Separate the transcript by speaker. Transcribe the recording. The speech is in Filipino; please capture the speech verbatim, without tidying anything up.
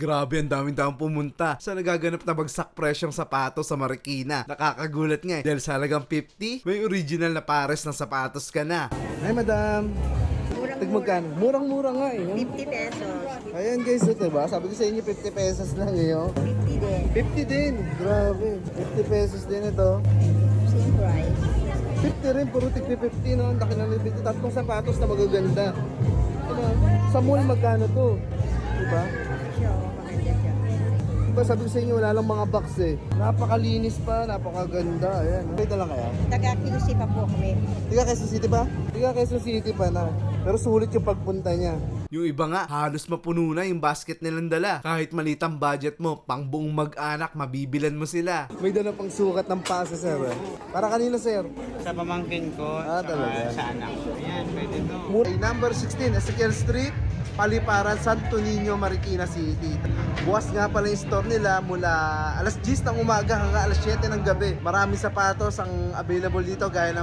Speaker 1: Grabe, ang daming daang pumunta sa nagaganap na bagsak presyong sapatos sa Marikina. Nakakagulat nga eh, dahil sa halagang fifty, may original na pares ng sapatos ka na. Ay madam, tagmagkano? Murang-mura nga eh.
Speaker 2: fifty pesos.
Speaker 1: Ayan guys, ito ba? Sabi ko sa inyo fifty pesos lang ngayon.
Speaker 2: fifty din.
Speaker 1: fifty din, grabe. fifty pesos din ito.
Speaker 2: Same price.
Speaker 1: fifty rin, puro tigpi fifty no. Ang laki ng fifty. Tatlong sapatos na magaganda. Diba? Sa mall magkano to? Diba?
Speaker 2: Siya, maganda siya.
Speaker 1: Diba sabi ko sa inyo, wala lang mga box eh. Napakalinis pa, napakaganda. Ayan. Dito lang kaya?
Speaker 2: Taga-Q C pa po kami.
Speaker 1: Tiga Quezon City pa? Tiga Quezon City pa na. Pero sulit yung pagpunta niya. Yung iba nga, halos mapuno na yung basket nilang dala. Kahit malitang budget mo, pang buong mag-anak, mabibilan mo sila. May dala pang sukat ng pasa, sir. eh. Para kanina, sir.
Speaker 3: Sa pamangkin ko,
Speaker 1: Ah,
Speaker 3: saka
Speaker 1: talaga?
Speaker 3: sa anak ko. Ayan, pwede to.
Speaker 1: Okay, number sixteen, Ezekiel Street, Paliparan, Santo Niño, Marikina City. Bukas nga pala yung store nila mula alas diyes ng umaga hanggang alas siyete ng gabi. Maraming sapatos ang available dito gaya ng